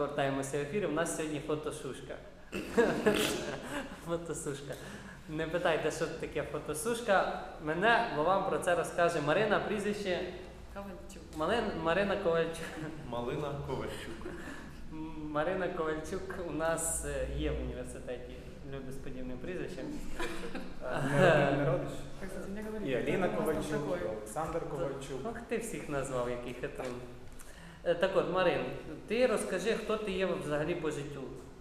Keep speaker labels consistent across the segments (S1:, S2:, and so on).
S1: повертаємося в ефір. У нас сьогодні фотосушка. Фотосушка. Не питайте, що таке фотосушка. Мене, бо вам про це розкаже Марина, прізвище
S2: Ковальчук.
S1: Марина Ковальчук.
S3: Малина Ковальчук.
S1: Марина Ковальчук у нас є в університеті люди з подібним прізвищем.
S4: Не родиш?
S2: Как кстати, мне говорили,
S4: І Аліна
S2: кто у нас там
S4: Ковальчук, і
S2: такой.
S4: Олександр Ковальчук.
S1: Ох, ти всіх назвав, який хитрин. Так от, Марин, ти розкажи, хто ти є взагалі по життю.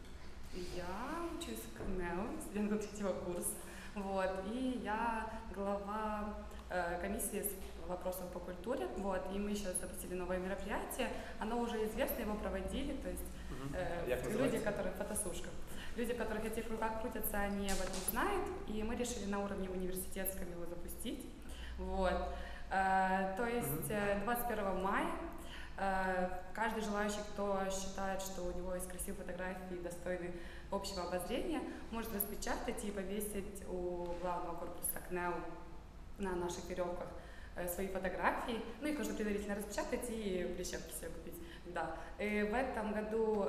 S2: Я учусь в КНЕУ, студентка третьего курса. Вот, и я глава комиссии с вопросов по культуре. Вот, и мы сейчас запустили новое мероприятие. Оно уже известно, его проводили. То есть
S4: Як
S2: люди,
S4: називається?
S2: которые фотосушка. Люди, которых этих руках крутятся, они об этом знают. И мы решили на уровне университетском его запустить. Вот. То есть 21 мая каждый желающий, кто считает, что у него есть красивые фотографии, достойны общего обозрения, может распечатать и повесить у главного корпуса КНЕУ на наших веревках свои фотографии. Ну, их нужно предварительно распечатать и прищепки себе купить. Да. И в этом году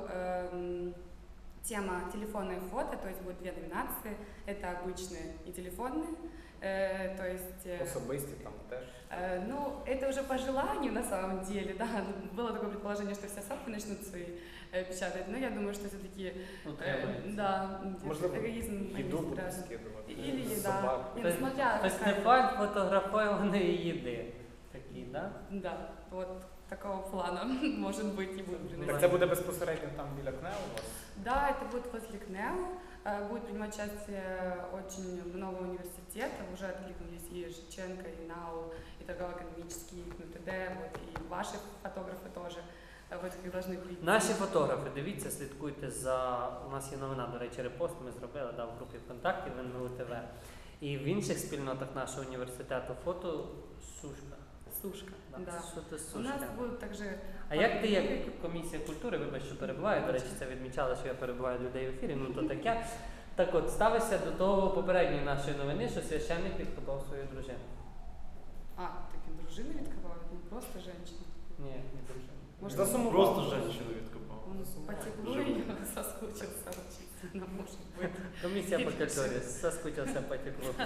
S2: тема телефонные фото, то есть будет две номинации. Это обычные и телефонные. То есть,
S4: Особисті там теж.
S2: ну, это уже по желанию на самом деле, да. Было такое предположение, что все сопки начнут свои печатать, но я думаю, что все-таки, да,
S4: Можливо,
S2: эгоизм
S4: їду
S2: они
S4: будуть
S2: страшны.
S4: скидувати.
S2: Или еда.
S4: Собак.
S2: Не, ну, смотря
S1: Фестиваль фотографованої їди. Такий, да?
S2: Да, вот такого плана может быть и будет приносить.
S4: Так це буде безпосередньо там біля КНЕУ у вас?
S2: Да, это будет возле КНЕУ. Будет принимать участие очень много университетов. Уже откликнулись и Шевченко, и НАУ, и торгово-экономический, и КНУТД, вот, и ваши фотографы тоже. Вот их должны прийти.
S1: Наші фотографи, дивіться, слідкуйте за... У нас є новина, до речі, репост ми зробили в групі ВКонтакті в НМУ ТВ. І в інших спільнотах нашого університету фотосушка.
S2: Сушка,
S1: Да.
S2: да.
S1: Що ти
S2: У нас
S1: сушка?
S2: будут также...
S1: А як ти, як комісія культури, вибач, що перебуваю, до речі, це відмічали, що я перебуваю людей в ефірі, ну то таке. Так от, ставишся до того попередньої нашої новини, що священник відкопав свою дружину.
S2: А, так и дружины відкопывают, не просто женщины.
S1: Ні, не дружину.
S2: Может,
S4: Засумував.
S3: Просто женщину відкопав.
S2: он по теплу ее соскучился учиться, ну, может быть.
S1: Комісія по культурі, соскучився по теплу.
S2: Да,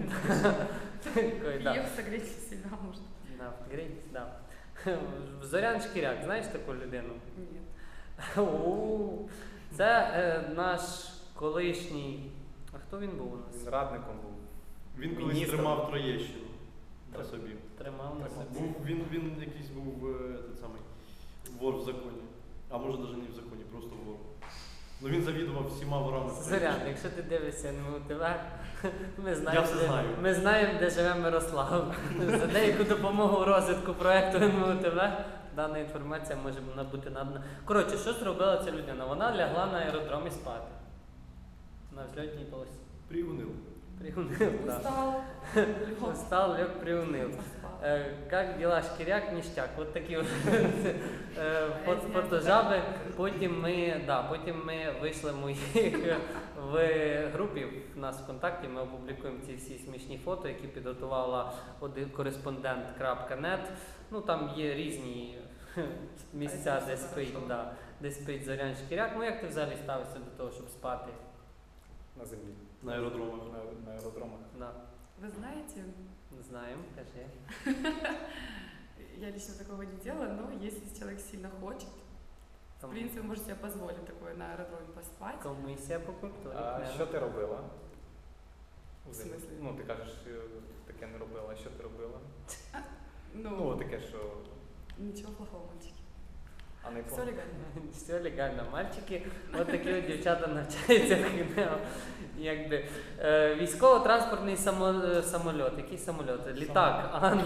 S1: Такой, да.
S2: приехал согреть себя, может.
S1: Да, грійтесь, да. Зорян Шкіряк, знаєш таку людину?
S2: Нет.
S1: У, це наш колишній. А хто він був у нас?
S4: Він радником був.
S3: Він колись
S4: Міністр.
S3: тримав Троєщину на собі.
S1: Тримав на собі.
S3: Він якийсь був той самий вор в законі. А може навіть не в законі, просто вор. Ну він завідував всіма ворами.
S1: Зорян, якщо ти дивишся НМУ ТВ, ми знаємо,
S3: Я все знаю.
S1: ми знаємо, де живе Мирослав. За деяку допомогу в розвитку проєкту НМУ ТВ дана інформація може бути надана. Коротше, що зробила ця людина? Вона лягла на аеродромі спати. На взльотній полосі.
S3: Приунив.
S1: Приунив, так.
S2: Устал.
S1: Устал, лег, приуныл. Как дела, Шкіряк, ніштяк. От такі от фотожаби. Потім ми вийшли в групі в нас ВКонтакті, ми опублікуємо ці всі смішні фото, які підготувала кореспондент.нет. Ну там є різні місця, де спить Зорян Шкіряк. Ну як ти взагалі ставишся до того, щоб спати?
S4: На землі.
S3: На аеродромах.
S4: На аеродромах.
S1: Да.
S2: Вы знаете,
S1: Знаємо, кажи.
S2: я лично такого не делала, но если человек сильно хочет, в принципе, вы можете себе позволить такое на аэродроме поспать.
S1: Комісія по культурі.
S4: А
S1: КНЕУ.
S4: що ти робила?
S2: В смислі?
S4: Ну, ти кажеш, таке не робила. А що ти робила?
S2: Ну,
S4: Ну, таке, що...
S2: ничего плохого, мальчики.
S4: А не
S2: Все легально.
S1: Все легально. Мальчики, от такі от дівчата навчаються в КНЕУ. Якби військово-транспортний самольот. Який самольот? Літак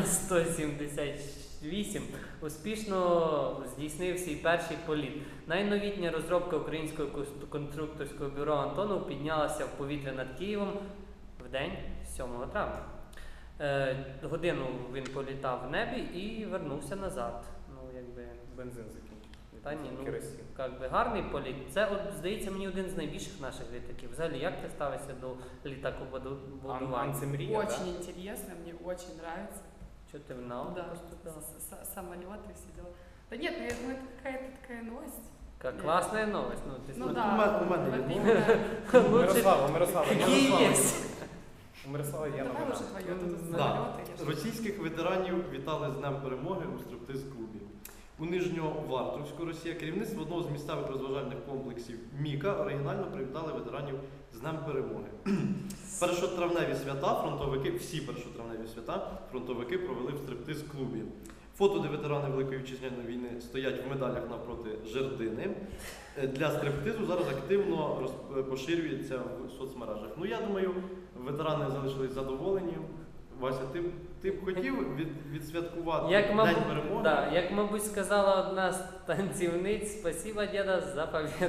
S1: Ан-178 успішно здійснив свій перший політ. Найновітня розробка українського конструкторського бюро Антонов піднялася в повітря над Києвом в день 7 травня. Годину він політав в небі і вернувся назад. Ну, якби...
S4: Бензин закінчив.
S1: Та ні, ну,
S4: Керосин.
S1: якби гарний політ. Це, от, здається, мені один з найбільших наших літаків. Взагалі, як ти ставишся до літакобудування?
S4: Це мрія,
S2: Очень интересно, мне очень нравится.
S1: Що ти в НАУ
S2: Да,
S1: поступила?
S2: самолеты, все дела. Да нет, ну это какая-то такая новость.
S1: Как классная новость. Ну, ты
S2: Ну
S1: смотри.
S2: да,
S3: у мене
S2: вот
S3: є.
S2: именно.
S1: Лучше
S4: Мирослава.
S1: какие есть.
S4: У Мирослава є
S2: Давай
S4: новина.
S2: уже твое, тут
S3: Да.
S2: самолеты. я ж-
S3: Російських ветеранів вітали з Днем Перемоги у стриптиз-клубі. У Нижньовартовську Росія керівництво одного з місцевих розважальних комплексів Міка оригінально привітали ветеранів з Днем Перемоги. Першотравневі свята фронтовики, всі першотравневі свята фронтовики провели в стриптиз-клубі. Фото, де ветерани Великої Вітчизняної війни стоять в медалях навпроти жердини, для стриптизу зараз активно поширюється в соцмережах. Ну я думаю, ветерани залишились задоволені. Вася, ти б хотів відсвяткувати
S1: Як,
S3: День
S1: мабуть,
S3: Перемоги?
S1: да, як, мабуть, сказала одна з танцівниць, спасибо, діда, за победу.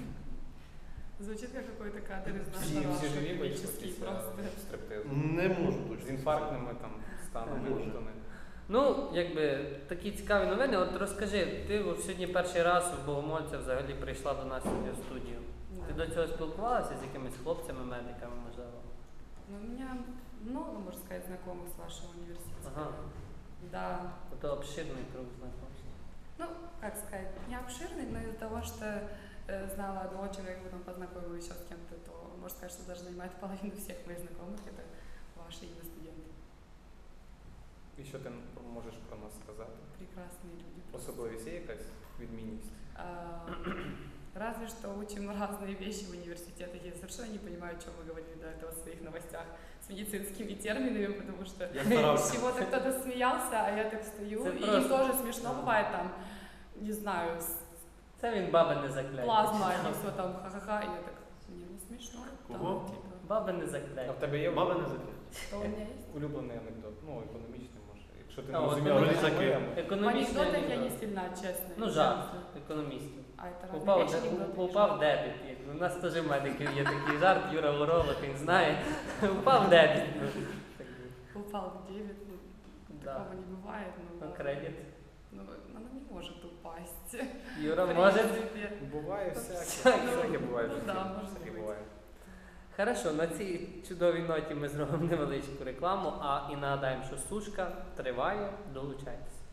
S2: Звучит как какой-то кадр из
S4: Всі
S2: нашего
S4: живі вийшли
S2: эпический
S4: після
S2: просто.
S4: стриптизу.
S3: Не можу
S4: З
S3: точно.
S4: інфарктними там станами.
S3: Не може.
S4: ніхто не-
S1: Ну, якби такі цікаві новини. От розкажи, ти от сьогодні перший раз в Богомольця взагалі прийшла до нас сьогодні в студію. Ти
S2: Да.
S1: до цього спілкувалася з якимись хлопцями, медиками, можливо?
S2: Ну, у меня много, можно сказать, знакомых с вашего университета.
S1: Ага.
S2: Да.
S1: Ото обширний круг знакомств.
S2: Ну, как сказать, не обширный, но из-за того, что знала одного человека, потом познакомилась еще с кем-то, то можно сказать, что даже занимает половину всех моих знакомых, это ваши именно студенты.
S4: І що ти можеш про нас сказати?
S2: Прекрасные люди.
S4: Особливість є якась відмінність?
S2: А, Разве что учим разные вещи в университете. Я совершенно не понимаю, о чем вы говорили до этого в своих новостях с медицинскими терминами, потому что
S3: Я
S2: с
S3: старався.
S2: чего-то кто-то смеялся, а я так стою,
S1: Это
S2: и
S1: просто-
S2: им тоже смешно бывает там, не знаю,
S1: Це він баби не закляє.
S2: плазма, они все там ха-ха-ха, и я так, мне не смешно.
S3: Кого?
S2: Там, типа,
S1: Баби не
S4: А
S1: закляє.
S4: в тебе є
S3: Баба не закрив.
S2: что у меня есть?
S4: улюблений анекдот? Ну, економічний може. Якщо ти
S1: А,
S4: не
S1: от
S4: розуміла,
S3: вони
S4: що
S3: такі.
S4: ми-
S2: В
S1: Економічний
S2: анекдотах я не
S1: анекдот.
S2: сильна, честно.
S1: Ну, жарт економістів.
S2: А это разные
S1: Упав,
S2: вещи, анекдоты и
S1: упав
S2: жарт.
S1: дебіт. У нас теж в медиків є такий жарт, Юра Уролог, він знає. Упав дебіт. Ну, так,
S2: Упал в 9, ну,
S1: да.
S2: такого не бывает. Ну,
S1: Ну,
S2: ладно.
S1: кредит.
S2: Ну, оно не может упасть.
S1: Юра
S2: В
S1: може.
S2: принципе.
S4: Буває всяке.
S1: Всяке.
S4: Всяке буває в
S2: Ну,
S4: житті.
S2: да, може
S4: Всяке
S2: бути.
S4: буває.
S1: Хорошо, на цій чудовій ноті ми зробимо невеличку рекламу, а і нагадаємо, що сушка триває, долучайтесь.